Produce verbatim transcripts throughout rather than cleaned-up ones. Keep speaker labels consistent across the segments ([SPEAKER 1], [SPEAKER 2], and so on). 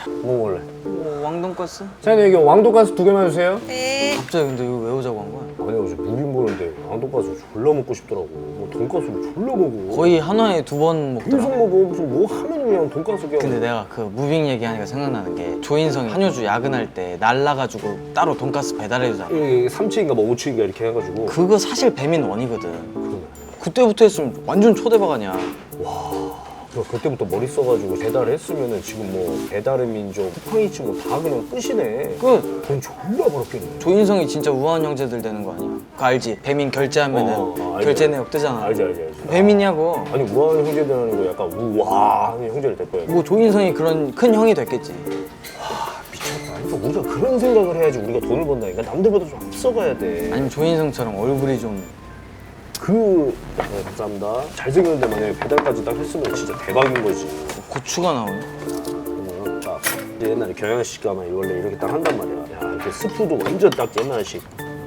[SPEAKER 1] 뭐 먹을래?
[SPEAKER 2] 뭐 왕돈가스?
[SPEAKER 1] 사장님 여기 왕돈가스 두 개만 주세요.
[SPEAKER 3] 네.
[SPEAKER 2] 갑자기 근데 이거 왜 오자고 한 거야?
[SPEAKER 1] 아니 어제 무빙 보는데 왕돈가스 졸라 먹고 싶더라고. 뭐 돈가스를 졸라 먹어.
[SPEAKER 2] 거의 하나에 두 번
[SPEAKER 1] 계속
[SPEAKER 2] 먹더라.
[SPEAKER 1] 먹어. 무슨 뭐 하면 그냥 돈가스 그냥.
[SPEAKER 2] 근데 내가 그 무빙 얘기하니까 생각나는 게 조인성이 한효주 야근할 때 날라가지고 따로 돈가스 배달해주잖아.
[SPEAKER 1] 이게 삼 층인가 뭐 오 층인가 이렇게 해가지고.
[SPEAKER 2] 그거 사실 배민 원이거든.
[SPEAKER 1] 그러네.
[SPEAKER 2] 그때부터 했으면 완전 초대박 아니야.
[SPEAKER 1] 그 그때부터 머리 써가지고 배달을 했으면은 지금 뭐 배달의 민족, 쿠팡이츠 뭐 다 그냥 끝이네.
[SPEAKER 2] 그
[SPEAKER 1] 돈 졸라 벌었겠네.
[SPEAKER 2] 조인성이 진짜 우아한 형제들 되는 거 아니야? 그거 알지? 배민 결제하면은
[SPEAKER 1] 어, 어, 알지,
[SPEAKER 2] 결제
[SPEAKER 1] 알지.
[SPEAKER 2] 내역 뜨잖아.
[SPEAKER 1] 알지 알지 알지.
[SPEAKER 2] 배민이냐고.
[SPEAKER 1] 아니 우아한 형제들하는 거 약간 우와한 형제를 될 거야.
[SPEAKER 2] 뭐 조인성이 그런 큰 형이 됐겠지.
[SPEAKER 1] 미쳤다. 그러니까 우리가 그런 생각을 해야지 우리가 돈을 번다니까. 남들보다 좀 앞서가야 돼.
[SPEAKER 2] 아니면 조인성처럼 얼굴이 좀
[SPEAKER 1] 그 네, 감사합니다. 잘생겼는데 만약에 배달까지 딱 했으면 진짜 대박인 거지.
[SPEAKER 2] 고추가 나오네.
[SPEAKER 1] 그러면 딱 이제 옛날에 경양식 가면 원래 이렇게 딱 한단 말이야. 야 이렇게 스프도 완전 딱 옛날식.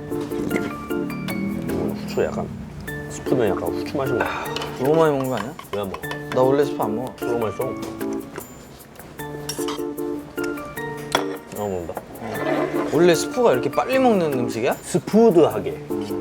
[SPEAKER 1] 음, 후추 약간 스프는 약간 후추 맛이 나.
[SPEAKER 2] 너무 많이 먹는 거 아니야?
[SPEAKER 1] 왜 안 먹어?
[SPEAKER 2] 나 원래 스프 안 먹어.
[SPEAKER 1] 너무 맛있어. 너무 먹는다.
[SPEAKER 2] 원래 스프가 이렇게 빨리 먹는 음식이야?
[SPEAKER 1] 스푸드하게.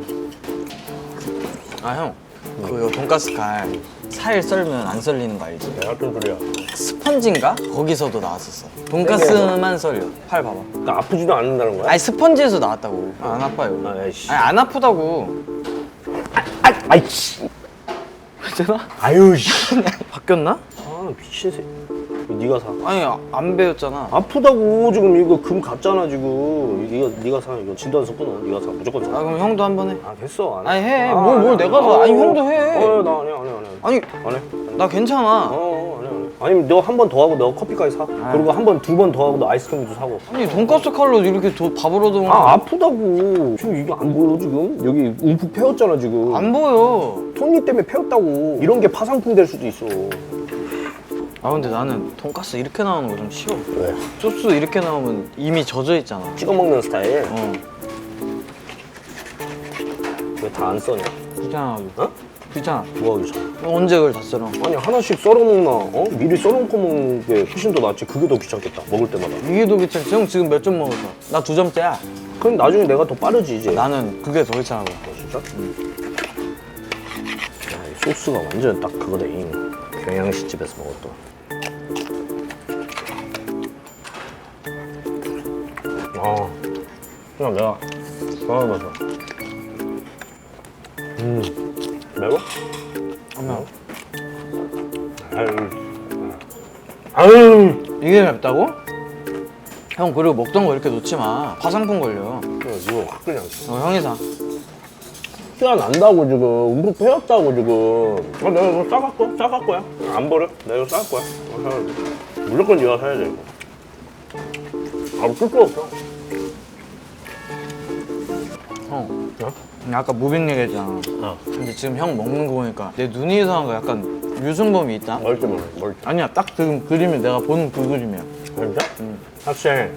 [SPEAKER 2] 아 형, 그 돈가스 칼 살 썰면 안 썰리는 거 알지?
[SPEAKER 1] 내가 어떤 소리야?
[SPEAKER 2] 스펀지인가? 거기서도 나왔었어. 돈가스만 썰려. 팔 봐봐.
[SPEAKER 1] 그러니까 아프지도 않는다는 거야?
[SPEAKER 2] 아니 스펀지에서 나왔다고. 아, 안 아파요.
[SPEAKER 1] 아이씨.
[SPEAKER 2] 아니 안 아프다고.
[SPEAKER 1] 아, 아이씨.
[SPEAKER 2] 괜찮아?
[SPEAKER 1] 아유 씨.
[SPEAKER 2] 바뀌었나?
[SPEAKER 1] 아 미친 새. 네가 사.
[SPEAKER 2] 아니 안 배웠잖아.
[SPEAKER 1] 아프다고 지금 이거 금 갔잖아 지금. 이거 네가 사. 이거 진단서 끊어. 네가 사. 무조건 사.
[SPEAKER 2] 아 그럼 형도 한 번 해.
[SPEAKER 1] 아 됐어. 안 해.
[SPEAKER 2] 아니 해.
[SPEAKER 1] 아,
[SPEAKER 2] 뭘, 뭘
[SPEAKER 1] 안 해.
[SPEAKER 2] 내가 사.
[SPEAKER 1] 어,
[SPEAKER 2] 아니
[SPEAKER 1] 어,
[SPEAKER 2] 형도 해.
[SPEAKER 1] 어, 나 안 해, 안 해, 안 해.
[SPEAKER 2] 아니
[SPEAKER 1] 안 해.
[SPEAKER 2] 나 괜찮아.
[SPEAKER 1] 어, 안 해, 안 해. 아니면 너 한 번 더 하고 너 커피까지 사. 그리고 한 번, 두 번 더 하고 너 아이스크림도 사고.
[SPEAKER 2] 아니 돈가스 칼로 이렇게 도, 밥을 얻어.
[SPEAKER 1] 아 아프다고. 지금 이거 안 보여 지금? 여기 움푹 패였잖아 지금.
[SPEAKER 2] 안 보여.
[SPEAKER 1] 손님 때문에 패였다고. 이런 게 파상풍 될 수도 있어.
[SPEAKER 2] 아 근데 나는 돈가스 이렇게 나오는 거 좀 싫어.
[SPEAKER 1] 왜?
[SPEAKER 2] 소스 이렇게 나오면 이미 젖어 있잖아.
[SPEAKER 1] 찍어 먹는 스타일.
[SPEAKER 2] 어.
[SPEAKER 1] 왜 다 안 써냐?
[SPEAKER 2] 귀찮아.
[SPEAKER 1] 어?
[SPEAKER 2] 귀찮아.
[SPEAKER 1] 뭐가 귀찮아?
[SPEAKER 2] 언제 그걸 다 썰어?
[SPEAKER 1] 아니 하나씩 썰어 먹나? 어? 미리 썰어놓고 먹는 게 훨씬 더 낫지. 그게 더 귀찮겠다. 먹을 때마다.
[SPEAKER 2] 이게 더 귀찮지. 형 지금 몇 점 먹었어? 나 두 점째야.
[SPEAKER 1] 그럼 나중에 내가 더 빠르지 이제.
[SPEAKER 2] 나는 그게 더 귀찮아.
[SPEAKER 1] 어, 진짜? 응. 야, 이 소스가 완전 딱 그거다. 이 경양식 집에서 먹었던. 아, 그냥 내가 좋아하면서. 음, 매워?
[SPEAKER 2] 안 매워.
[SPEAKER 1] 아유, 아유.
[SPEAKER 2] 이게 맵다고? 형 그리고 먹던 거 이렇게 놓지 마. 화상풍 걸려.
[SPEAKER 1] 그냥 이거 확 그냥.
[SPEAKER 2] 어, 형이 사.
[SPEAKER 1] 티가 난다고 지금. 움푹 패였다고 지금. 아, 내가 이거 싸갈 거야? 싸갈 거야? 안 버려? 내가 이거 싸갈 거야. 어, 사야 돼. 무조건 네가 사야 돼 이거. 아, 쓸거 없어.
[SPEAKER 2] 형.
[SPEAKER 1] 어?
[SPEAKER 2] 아까 무빙 얘기했잖아.
[SPEAKER 1] 어.
[SPEAKER 2] 근데 지금 형 먹는 거 보니까 내 눈이 이상한 거 약간 유승범이 있다?
[SPEAKER 1] 멀지 몰라, 멀지.
[SPEAKER 2] 아니야 딱 지금 그림이 내가 보는 그 그림이야.
[SPEAKER 1] 진짜? 응. 학생,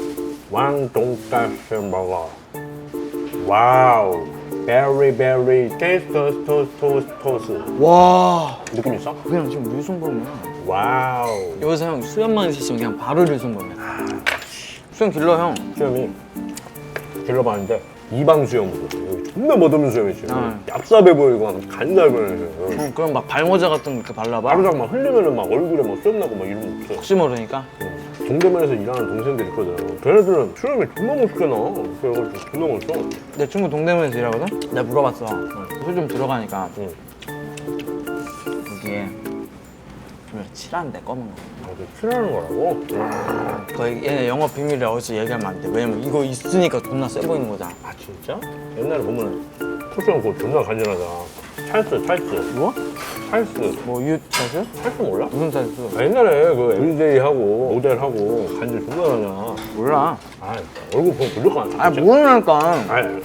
[SPEAKER 1] 왕돈가스 먹어. 와우. 베리 베리 테이스트 토스 토스 토스.
[SPEAKER 2] 와
[SPEAKER 1] 느낌 있어?
[SPEAKER 2] 그냥 지금 유승범이야.
[SPEAKER 1] 와우.
[SPEAKER 2] 여기서 형 수염만 있으시면 그냥 바로 유승범이야. 수염 길러 형.
[SPEAKER 1] 수염이 길러봤는데 이방 수염으로 여기 존나 멋없는 수염이지.
[SPEAKER 2] 아.
[SPEAKER 1] 얍삽해 보이고 막 간잘 보이는.
[SPEAKER 2] 형 그럼 막 발모자 같은 거 이렇게 발라봐.
[SPEAKER 1] 바로장 막 흘리면은 막 얼굴에 막 수염 나고 막 이런 거 없어.
[SPEAKER 2] 혹시 모르니까.
[SPEAKER 1] 응. 동대문에서 일하는 동생들 있거든. 걔네들은 수염이 존나 멋있게 나. 그래가지고 존나 멋있어.
[SPEAKER 2] 내 친구 동대문에서 일하거든? 내가 물어봤어. 술 좀 들어가니까
[SPEAKER 1] 응.
[SPEAKER 2] 여기에 좀 칠한데 검은 거.
[SPEAKER 1] 아, 그 칠하는 거라고?
[SPEAKER 2] 거의 얘네 영업 비밀에 어디서 얘기하면 안 돼. 왜냐면 이거 있으니까 존나 세 보이는 거잖아.
[SPEAKER 1] 아 진짜? 옛날에 보면 쿠션 그거 존나 간지나잖아. 찰스 찰스.
[SPEAKER 2] 뭐?
[SPEAKER 1] 찰스.
[SPEAKER 2] 뭐 유 찰스?
[SPEAKER 1] 찰스 몰라?
[SPEAKER 2] 무슨 찰스?
[SPEAKER 1] 아, 옛날에 그 에브리데이하고 모델하고 간지 존나 나냐.
[SPEAKER 2] 몰라.
[SPEAKER 1] 아 얼굴 보면 무조건
[SPEAKER 2] 아
[SPEAKER 1] 안 찰스.
[SPEAKER 2] 모르니까.
[SPEAKER 1] 아니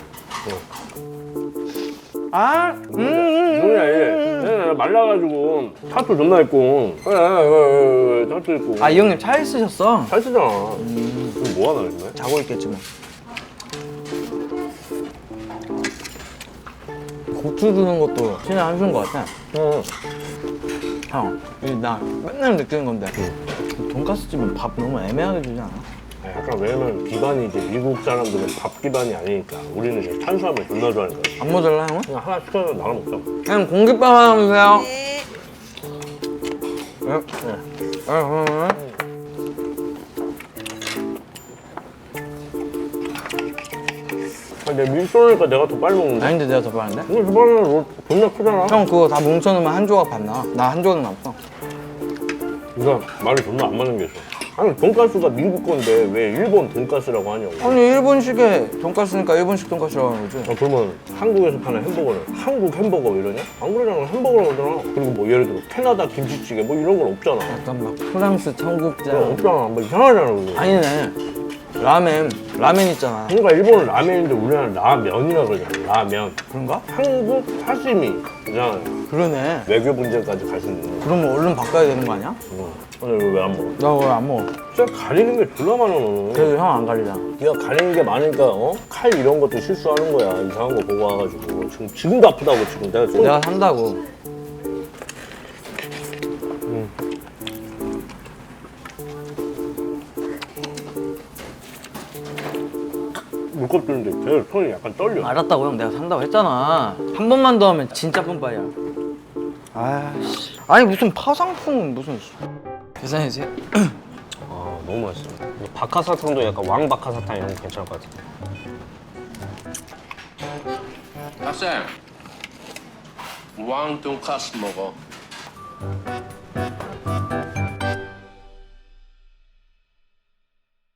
[SPEAKER 2] 아, 음, 음, 음.
[SPEAKER 1] 뭐냐 얘. 얘 말라가지고 타투 존나 있고. 그래 그래 그래 타투 있고.
[SPEAKER 2] 아, 이 형님 차 있으셨어?
[SPEAKER 1] 찰스잖아. 그럼 뭐 하나 요즘에?
[SPEAKER 2] 자고 있겠지 뭐. 고추 주는 것도 신의 한 수인 것 같아.
[SPEAKER 1] 응.
[SPEAKER 2] 형, 이나 맨날 느끼는 건데 돈가스 집은 밥 너무 애매하게 주지 않아?
[SPEAKER 1] 아, 약간 왜냐면 기반이 이제 미국 사람들은 밥 기반이 아니니까 우리는 이제 탄수화물 존나 좋아하니까
[SPEAKER 2] 안 모자라 형은?
[SPEAKER 1] 그냥 하나 시켜서 나눠 먹자.
[SPEAKER 2] 형 공깃밥 하나 주세요.
[SPEAKER 3] 네.
[SPEAKER 2] 네. 네. 네. 네.
[SPEAKER 1] 아, 내 밀소니까 내가 더 빨리 먹는데.
[SPEAKER 2] 아닌데 내가 더 빠른데?
[SPEAKER 1] 이거 저번에는 존나 크잖아.
[SPEAKER 2] 형 그거 다 뭉쳐놓으면 한 조각 받나? 나 한 조각 남았어.
[SPEAKER 1] 이거 말이 존나 안 맞는 게 있어. 아니 돈가스가 미국 건데 왜 일본 돈가스라고 하냐고.
[SPEAKER 2] 아니 일본식의 돈가스니까 일본식 돈가스라고 하는 거지.
[SPEAKER 1] 아, 그러면 한국에서 파는 햄버거는 한국 햄버거 이러냐? 안 그러잖아. 햄버거라고 하잖아. 그리고 뭐 예를 들어 캐나다 김치찌개 뭐 이런 건 없잖아.
[SPEAKER 2] 약간 막 프랑스
[SPEAKER 1] 그거
[SPEAKER 2] 청국장.
[SPEAKER 1] 없잖아. 뭐 이상하잖아. 그거.
[SPEAKER 2] 아니네. 라멘. 라멘 있잖아.
[SPEAKER 1] 그러니까 일본은 라면인데 우리나라는 라면이라 그러잖아. 라면.
[SPEAKER 2] 그런가?
[SPEAKER 1] 한국 사시미. 이잖아.
[SPEAKER 2] 그러네.
[SPEAKER 1] 외교 문제까지 갈 수 있는 거.
[SPEAKER 2] 그러면 얼른 바꿔야 되는 거 아니야?
[SPEAKER 1] 응. 근데 왜 안 먹어?
[SPEAKER 2] 나 그거 안 먹어.
[SPEAKER 1] 진짜 가리는 게 졸라 많아 너는.
[SPEAKER 2] 그래도 형 안 가리잖아.
[SPEAKER 1] 네가 가리는 게 많으니까 어? 칼 이런 것도 실수하는 거야. 이상한 거 보고 와가지고 지금 지금도 아프다고 지금 내가 좀
[SPEAKER 2] 내가 산다고.
[SPEAKER 1] 물컵 드는데 제 손이 약간 떨려.
[SPEAKER 2] 알았다고 형. 내가 산다고 했잖아. 한 번만 더 하면 진짜 뿜빠이야. 아씨. 아니 무슨 파상풍 무슨. 계산해주세요.
[SPEAKER 4] 아 너무 맛있어. 이 박하사탕도 약간 왕 박하사탕 이런 거 괜찮을 것 같아.
[SPEAKER 5] 학생, 왕 돈가스 먹어.